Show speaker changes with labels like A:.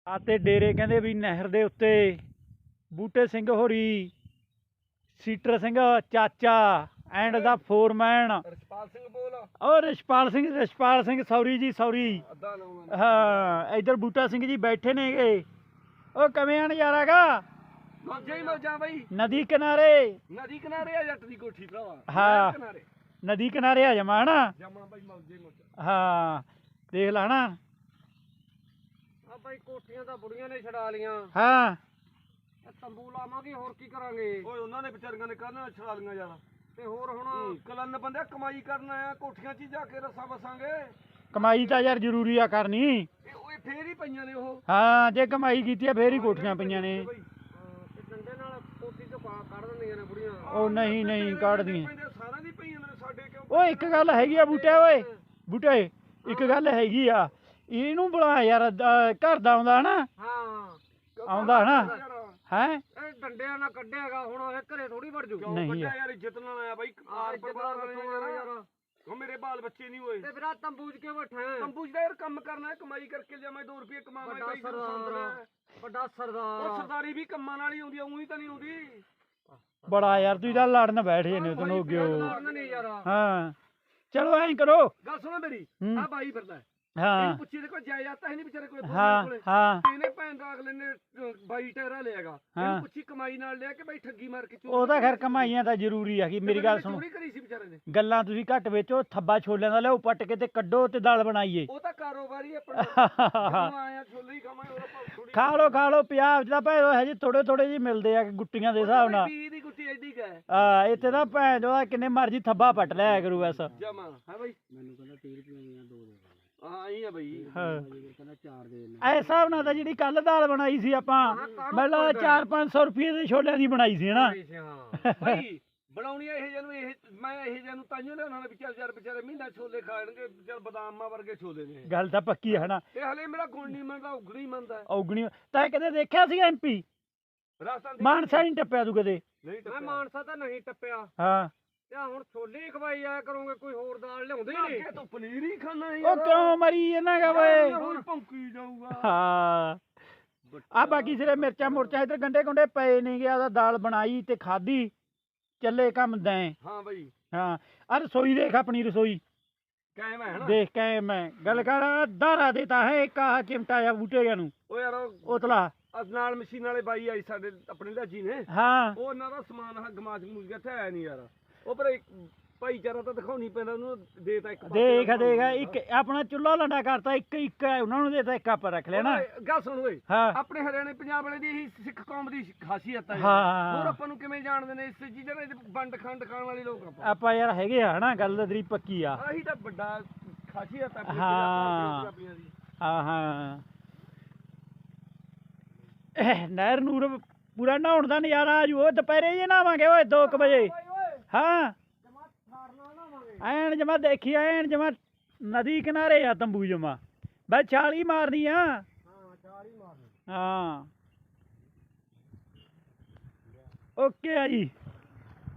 A: ਅਤੇ ਡੇਰੇ ਕਹਿੰਦੇ ਵੀ ਨਹਿਰ ਦੇ ਉੱਤੇ ਬੂਟੇ ਸਿੰਘ ਹੋਰੀ, ਸੀਟਰ ਸਿੰਘ ਚਾਚਾ ਐਂਡ ਦਾ ਫੋਰਮੈਨ
B: ਰਛਪਾਲ ਸਿੰਘ ਬੋਲ
A: ਔਰ ਰਛਪਾਲ ਸਿੰਘ ਸੌਰੀ ਜੀ ਸੌਰੀ। ਹਾਂ ਇੱਧਰ ਬੂਟਾ ਸਿੰਘ ਜੀ ਬੈਠੇ ਨੇਗੇ। ਉਹ ਕਿਵੇਂ ਆ ਨਜ਼ਾਰਾ ਗਾ?
B: ਮੌਜਾਂ ਹੀ ਮੌਜਾਂ ਬਈ।
A: ਨਦੀ ਕਿਨਾਰੇ
B: ਆ ਜੱਟ ਦੀ ਕੋਠੀ ਭਰਾਵਾ।
A: ਹਾਂ ਨਦੀ ਕਿਨਾਰੇ ਆ ਜਮਾ ਹਨਾ।
B: ਜਮਾ ਬਈ ਮੌਜਾਂ ਹੀ ਮੌਜਾਂ।
A: ਹਾਂ ਦੇਖ ਲਾ ਹਨਾ।
B: ਆ ਬਈ ਕੋਠੀਆਂ ਤਾਂ ਬੁੜੀਆਂ ਨੇ ਛਡਾ ਲੀਆਂ।
A: ਹਾਂ
B: ਤੰਬੂ ਲਾਵਾਂਗੇ ਹੋਰ ਕੀ ਕਰਾਂਗੇ। ਓਏ ਉਹਨਾਂ ਨੇ ਵਿਚਾਰੀਆਂ ਨੇ ਕਰਨਾ ਛਡਾ ਲੀਆਂ ਯਾਰ। ਤੇ ਹੋਰ ਹੁਣ ਕਲਨ ਬੰਦੇ ਕਮਾਈ ਕਰਨ ਆਇਆ ਕੋਠੀਆਂ 'ਚ ਜਾ ਕੇ ਰਸਾ ਵਸਾਂਗੇ।
A: ਕਮਾਈ ਤਾਂ ਯਾਰ ਜ਼ਰੂਰੀ ਆ ਕਰਨੀ।
B: ਓਏ ਫੇਰ ਹੀ ਪਈਆਂ ਨੇ ਉਹ।
A: ਹਾਂ ਜੇ ਕਮਾਈ ਕੀਤੀ ਆ ਫੇਰ ਹੀ ਕੋਠੀਆਂ ਪਈਆਂ ਨੇ।
B: ਡੰਡੇ ਨਾਲ ਕੋਠੀ ਤੋਂ ਕੱਢ ਦਿੰਦੀਆਂ ਨੇ ਬੁੜੀਆਂ।
A: ਉਹ ਨਹੀਂ ਕੱਢਦੀਆਂ।
B: ਸਾਰਿਆਂ ਦੀ ਪਈਆਂ ਨੇ ਸਾਡੇ ਕਿਉਂ।
A: ਓਏ ਇੱਕ ਗੱਲ ਹੈਗੀ ਆ ਬੂਟੇ ਓਏ ਬੂਟੇ ਇੱਕ ਗੱਲ ਹੈਗੀ ਆ ਇਹਨੂੰ ਬੁਲਾ ਯਾਰ ਘਰ ਦਾ ਆਉਂਦਾ ਹਨਾ।
B: ਹਾਂ
A: ਆਉਂਦਾ ਹਨਾ ਹੈ।
B: ਇਹ ਡੰਡਿਆਂ ਨਾਲ ਕੱਢਿਆਗਾ ਹੁਣ ਇਹ ਘਰੇ ਥੋੜੀ ਵੜ ਜੂ।
A: ਨਹੀਂ
B: ਯਾਰ ਇੱਜ਼ਤ ਨਾਲ ਆਇਆ ਬਾਈ ਆਰ ਪਰਿਵਾਰ ਯਾਰ। ਉਹ ਮੇਰੇ ਬਾਲ ਬੱਚੇ ਨਹੀਂ ਹੋਏ ਤੇ ਫਿਰ ਆ ਤੰਬੂ 'ਚ ਕਿਉਂ ਬੈਠਾ? ਤੰਬੂ 'ਚ ਯਾਰ ਕੰਮ ਕਰਨਾ ਕਮਾਈ ਕਰਕੇ ਲਿਆਵਾਂ 2 ਰੁਪਏ ਕਮਾਵਾਂ ਬਾਈ। ਵੱਡਾ ਸਰਦਾਰ। ਉਹ ਸਰਦਾਰੀ ਵੀ ਕੰਮਾਂ ਨਾਲ ਹੀ ਆਉਂਦੀ ਆ ਉਹੀ ਤਾਂ ਨਹੀਂ ਆਉਂਦੀ।
A: ਬੜਾ ਯਾਰ ਤੁਸੀਂ ਤਾਂ ਲੜਨ ਬੈਠ ਜੇ ਨੇ ਤੈਨੂੰ ਅੱਗੇ। ਹਾਂ ਚਲੋ ਐਂ ਕਰੋ
B: ਗੱਲ ਸੁਣੋ ਮੇਰੀ। ਆ ਬਾਈ ਫਿਰਦਾ
A: ਹਾਂ
B: ਪੁੱਛੀ ਦੇ ਕੋਈ ਜਾਇਦਾਦ ਤਾਂ ਨਹੀਂ ਵਿਚਾਰੇ ਕੋਲੇ।
A: ਹਾਂ
B: ਇਹਨੇ ਭੈਣ ਦਾ ਅਗਲੇ ਨੇ 22 ਟਾਇਰਾ ਲਿਆਗਾ। ਇਹਨੂੰ ਪੁੱਛੀ ਕਮਾਈ ਨਾਲ ਲਿਆ ਕਿ ਬਾਈ ਠੱਗੀ ਮਾਰ ਕੇ
A: ਉਹ ਤਾਂ ਖੈਰ ਕਮਾਈਆਂ ਤਾਂ ਜ਼ਰੂਰੀ ਆ ਕਿ ਮੇਰੀ ਗੱਲ ਸੁਣੋ।
B: ਚੋਰੀ ਕਰੀ ਸੀ ਵਿਚਾਰੇ ਨੇ। ਗੱਲਾਂ
A: ਤੁਸੀਂ ਘੱਟ ਵੇਚੋ ਥੱਬਾ ਛੋਲਿਆਂ ਦਾ ਲਿਆਓ ਪੱਟ ਕੇ ਤੇ ਕੱਢੋ ਤੇ ਦਾਲ ਬਣਾਈਏ।
B: ਉਹ ਤਾਂ ਕਾਰੋਬਾਰੀ ਆਪਣਾ ਆਇਆ ਛੋਲੇ ਹੀ ਖਾਵਾਂਗੇ।
A: ਖਾ ਲੋ ਪੰਜਾਬ 'ਚ ਤਾਂ ਭੈਣ ਹਜੇ ਥੋੜੇ ਜਿਹੇ ਮਿਲਦੇ ਆ ਗੁੱਟੀਆਂ ਦੇ ਹਿਸਾਬ ਨਾਲ।
B: 20 ਦੀ ਗੁੱਟੀ ਐਡੀ ਕਾ ਹੈ।
A: ਹਾਂ ਇੱਥੇ ਤਾਂ ਭੈਣ ਜੋ ਕਿੰਨੇ ਮਰਜੀ ਥੱਬਾ ਪੱਟ ਲਿਆ ਕਰੂ ਬਸ।
B: ਜਮਾ ਹੈ ਬਾਈ। ਮੈਨੂੰ ਕਹਿੰਦਾ 30 ਰੁਪਏ ਦੀਆਂ 2 ਦੇ। ਹਾਂ ਇਹ ਆ ਬਈ। ਕਹਿੰਦਾ 4 ਦੇ। ਐ
A: ਹਿਸਾਬ ਨਾਲ ਤਾਂ ਜਿਹੜੀ ਕੱਲ ਦਾਲ ਬਣਾਈ ਸੀ ਆਪਾਂ ਮਤਲਬ 400-500 ਰੁਪਏ ਦੇ ਛੋਲਿਆਂ ਦੀ ਬਣਾਈ ਸੀ ਹਨਾ।
B: ਬਾਈ ਬਣਾਉਣੀ ਇਹ ਜਿਹਨੂੰ ਇਹ ਮੈਂ ਇਹ ਜਿਹਨੂੰ ਤਾਈਓ ਲਿਆਉਣਾ ਨੇ ਵਿਚਾਰ ਵਿਚਾਰੇ ਮਹੀਨਾ ਛੋਲੇ ਖਾਣਗੇ ਚੱਲ ਬਦਾਮਾਂ ਵਰਗੇ ਛੋਲੇ ਨੇ।
A: ਗੱਲ ਤਾਂ ਪੱਕੀ ਹੈ ਹਨਾ।
B: ਤੇ ਹਲੇ ਮੇਰਾ ਗੁਣ ਨਹੀਂ ਮੰਨਦਾ ਉਗਣੀ ਮੰਨਦਾ।
A: ਉਗਣੀ ਤਾਂ ਕਦੇ ਦੇਖਿਆ ਸੀ ਐਮਪੀ ਮਾਨਸਾ ਨਹੀਂ ਟੱਪਿਆ ਤੂੰ ਕਦੇ?
B: ਮੈਂ ਮਾਨਸਾ ਤਾਂ ਨਹੀਂ ਟੱਪਿਆ।
A: ਹਾਂ
B: ਤੇ ਹੁਣ ਛੋਲੇ ਹੀ ਖਵਾਈ ਆਇਆ ਕਰੋਗੇ ਕੋਈ ਹੋਰ ਦਾਲ ਲਿਆਉਂਦੇ ਨਹੀਂ। ਤੂੰ ਪਨੀਰ ਹੀ ਖਾਣਾ ਹੈ।
A: ਉਹ ਕਿਉਂ ਮਰੀ ਇਹਨਾਂ ਗਾ ਓਏ।
B: ਹੁਣ ਭੌਂਕੀ ਜਾਊਗਾ।
A: ਹਾਂ ਆ ਬਾਕੀ ਸਿਰੇ ਮਿਰਚਾਂ ਇੱਧਰ ਗੰਡੇ ਗੁੰਡੇ ਪਏ ਨਹੀਂ ਗਿਆ। ਦਾਲ ਬਣਾਈ ਤੇ ਖਾਧੀ ਚੱਲੇ ਕੰਮ ਦੈਂ। ਹਾਂ ਬਈ ਹਾਂ ਆ ਰਸੋਈ ਦੇਖ ਆਪਣੀ ਰਸੋਈ
B: ਕਾਇਮ ਹੈ
A: ਦੇਖ ਕਾਇਮ ਹੈ। ਗੱਲ ਕਰ ਦਾਰਾ ਦੇਤਾ ਹੈ ਇੱਕ ਆਹ ਚਿਮਟਾ ਆ ਬੂਟੇ ਨੂੰ।
B: ਉਹ ਯਾਰ
A: ਉਤਲਾ
B: ਨਾਲ ਮਸ਼ੀਨ ਵਾਲੇ ਬਾਈ ਆਈ ਸਾਡੇ ਆਪਣੇ ਲਾਜੀ ਨੇ।
A: ਹਾਂ
B: ਉਹ ਉਹਨਾਂ ਦਾ ਸਮਾਨ ਗਮਾਚ ਗਮੂਚ ਗਿਆ ਇੱਥੇ ਆਇਆ ਨਹੀਂ ਯਾਰ। ਉਹ ਪਰ ਭਾਈਚਾਰਾ ਤਾਂ ਦਿਖਾਉਣੀ ਪੈਂਦਾ ਉਹਨੂੰ। ਦੇਤਾ ਇੱਕ
A: ਦੇਖ ਇੱਕ ਆਪਣਾ ਚੁੱਲ੍ਹਾ ਲੰਡਾ ਕਰਤਾ ਇੱਕ ਉਹਨਾਂ ਨੂੰ ਦੇਤਾ ਇੱਕ ਆਪਾਂ ਰੱਖ ਲੈਣਾ।
B: ਗੱਲ ਸੁਣ ਓਏ ਆਪਣੇ ਹਰਿਆਣੇ ਪੰਜਾਬ ਵਾਲੇ ਦੀ ਇਹੀ ਸਿੱਖ ਕੌਮ ਦੀ ਖਾਸੀਅਤ ਹੈ। ਹੋਰ ਆਪਾਂ ਨੂੰ ਕਿਵੇਂ ਜਾਣਦੇ ਨੇ ਇਸ ਚੀਜ਼ਾਂ ਦੇ ਵੰਡ ਖੰਡ ਖਾਣ ਵਾਲੇ ਲੋਕ
A: ਆਪਾਂ ਯਾਰ ਹੈਗੇ ਆ ਹਨਾ। ਗੱਲ ਤੇਰੀ ਪੱਕੀ ਆ।
B: ਆਹੀ ਤਾਂ ਵੱਡਾ ਖਾਸੀਅਤ ਹੈ
A: ਪੰਜਾਬੀਆਂ ਦੀ। ਹਾਂ ਨਹਿਰ ਨੂਰ ਪੂਰਾ ਨਹਾਉਣ ਦਾ ਨਜ਼ਾਰਾ ਆ ਜੂ। ਦੁਪਹਿਰੇ ਜੇ ਨਹਾਵਾਂਗੇ ਓਏ 2 ਵਜੇ। ਹਾਂ ਐਨ ਜਮਾ ਦੇਖੀ ਐਨ ਜਮਾ ਨਦੀ ਕਿਨਾਰੇ ਆ ਤੰਬੂ ਜਮਾ ਬਸ ਛਾਲ ਹੀ ਮਾਰਨੀ ਆ। ਹਾਂ ਓਕੇ ਆ ਜੀ।